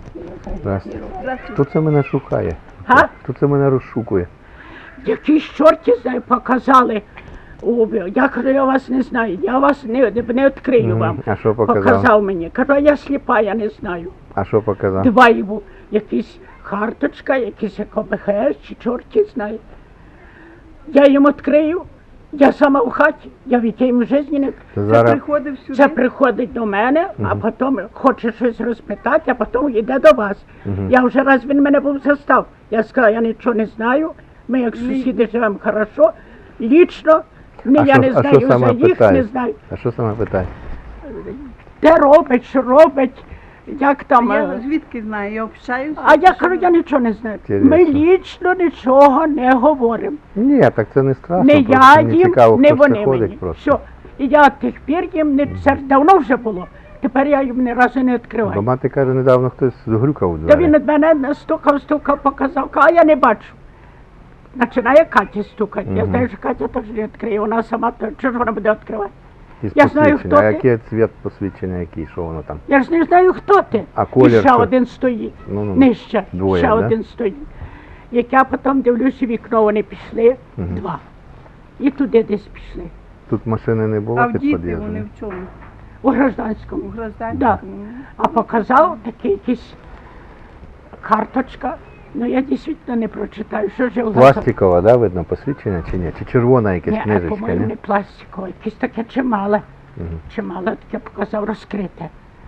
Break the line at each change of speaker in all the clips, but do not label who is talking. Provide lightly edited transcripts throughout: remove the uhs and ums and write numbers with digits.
Здрасте. Хто це мене шукає?
Га?
Хто це мене розшукує?
Якісь чорті показали. Я кажу, я вас не знаю, я вас не відкрию вам.
А що показав?
Показав мені. Кажу, я сліпа, я не знаю.
А що показав?
Два йому, якісь карточка, якісь ОБХС, чи чорті знає. Я їм відкрию, я сама в хаті, я від тієї в житті не...
Зараз...
Це приходить до мене, а потім хоче щось розпитати, а потім йде до вас. Я вже раз він мене був застав. Я сказала, я нічого не знаю, ми як сусіди живемо хорошо, лічно, я не знаю за їх, не знаю.
А що саме питає?
Де робить, що робить, як там...
Я звідки знаю, я общаюся.
А я кажу, я нічого не знаю. Ми лічно нічого не говоримо.
Ні, так це не страшно.
Не я
мені
їм,
цікаво,
не
хто
вони
це ходить
мені.
просто.
Все. І я тих пір їм, це давно вже було. Тепер я їм ні разу не
Бо
відкриваю.
мати каже, недавно хтось згрюкав у
Та
двері.
він від мене стукав, показав, а я не бачу. Починає Катя стукати. Я знаю, що Катя теж не відкриє, вона сама, чого ж вона буде відкривати?
Із
Я знаю,
посвідчення.
хто
А
ти.
який цвіт посвідчення, який, що воно там?
Я ж не знаю, хто ти.
А колір
І ще
що?
один стоїть.
Ну,
Нижче.
двоє,
Ще
да?
один стоїть. Як я потім дивлюся в вікно, вони пішли, два. І туди десь пішли.
Тут машини не було
А в
під
діти
під'їздом?
вони в чому?
У гражданському.
У гражданському?
Да. А показав такий якийсь карточка. Ну я дійсно не прочитаю, що ж я
Пластикова, да, видно, посвідчення чи ні? Чи червона якась
Ні,
книжечка,
по-моєму,
ні?
не пластикове, якесь таке чимале. Чимале таке показав, розкрите.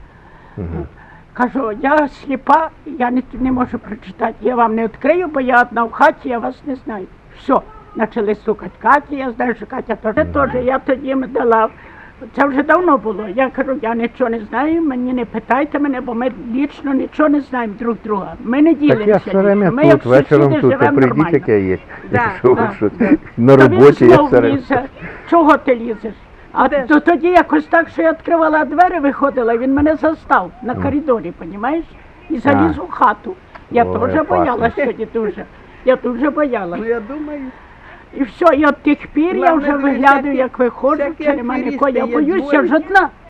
Кажу, я сліпа, я не можу прочитати, я вам не відкрию, бо я одна в хаті, я вас не знаю. Все, почали стукати Каті, я знаю, що Катя теж, я тоді їм дала. Це вже давно було. Я кажу, я нічого не знаю, мені не питайте мене, бо ми лічно нічого не знаємо друг друга. Ми не
Так я
ділимося.
все время
Ми як
тут, вечором
сусіди
тут, а
живемо
прийдіть,
нормально.
як я є.
Да,
Що ви,
да,
що?
да.
На
Та він
роботі я
знов
все время.
лізе. Чого ти лізеш? А
Де ж?
то тоді якось так, що я відкривала двері, виходила, він мене застав на коридорі, розумієш? І заліз у хату. Я
Ой,
теж
опасно.
боялась тоді дуже. Я дуже боялась.
Ну я думаю,
І все, і от тих пір я
Главне,
вже
дивись,
виглядаю,
всякі-
як виходжу,
всякі
чи нема
аферисти
нікого. Я
є,
боюся
дзвонять.
ж одна.